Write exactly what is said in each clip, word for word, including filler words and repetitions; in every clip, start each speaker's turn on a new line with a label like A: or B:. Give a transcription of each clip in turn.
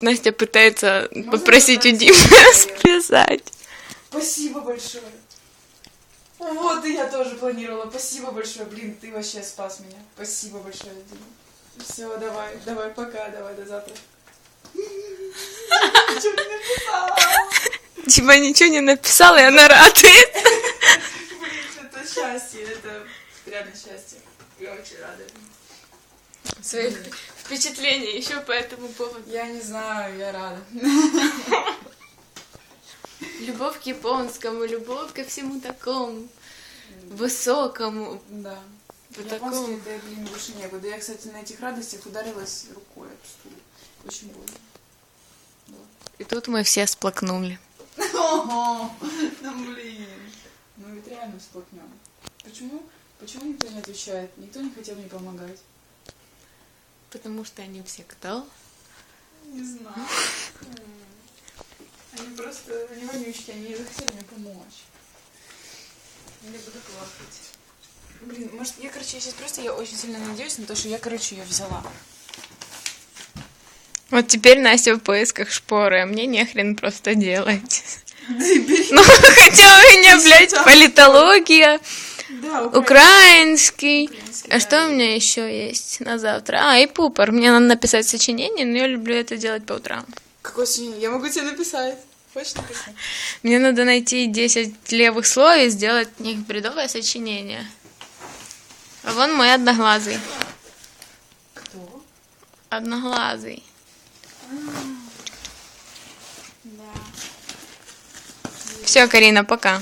A: Настя пытается Можно попросить у Димы сплясать.
B: Спасибо большое. Вот, и я тоже планировала. Спасибо большое. Блин, ты вообще спас меня. Спасибо большое, Дима. Все, давай, давай, пока, давай, до завтра. Ничего не написала.
A: Дима ничего не написала, и она радует.
B: Блин, это счастье, это реально счастье. Я очень рада.
A: Свои впечатления еще по этому поводу.
B: Я не знаю, я рада.
A: Любовь к японскому, любовь ко всему такому высокому.
B: Да.
A: Вот
B: Японский,
A: такому.
B: да, блин, больше некуда. Я, кстати, на этих радостях ударилась рукой об стул. Очень больно. Да.
A: И тут мы все сплакнули.
B: Ого, ну блин. Ну ведь реально всплакнем. Почему? Почему никто не отвечает? Никто не хотел мне помогать.
A: Потому что они все кто?
B: Не знаю. Они просто, они вонючки, они не захотели мне помочь. Я буду плакать. Блин, может, я, короче, я сейчас просто, я очень сильно надеюсь на то, что я, короче, ее взяла.
A: Вот теперь Настя в поисках шпоры, а мне нехрен просто делать.
B: Да и бери.
A: Ну, хотя у меня, блядь, политология,
B: Да,
A: украинский.
B: украинский.
A: А что у меня еще есть на завтра? А, и пупор. Мне надо написать сочинение, но я люблю это делать по утрам.
B: Какое сочинение? Я могу тебе написать. Хочешь написать?
A: Мне надо найти десять левых слов и сделать от них бредовое сочинение. А вон мой одноглазый.
B: Кто?
A: Одноглазый.
B: Да.
A: Все, Карина, пока.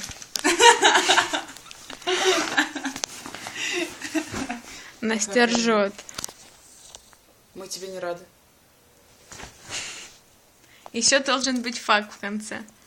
A: Настя ржет.
B: Мы тебе не рады.
A: Еще должен быть факт в конце.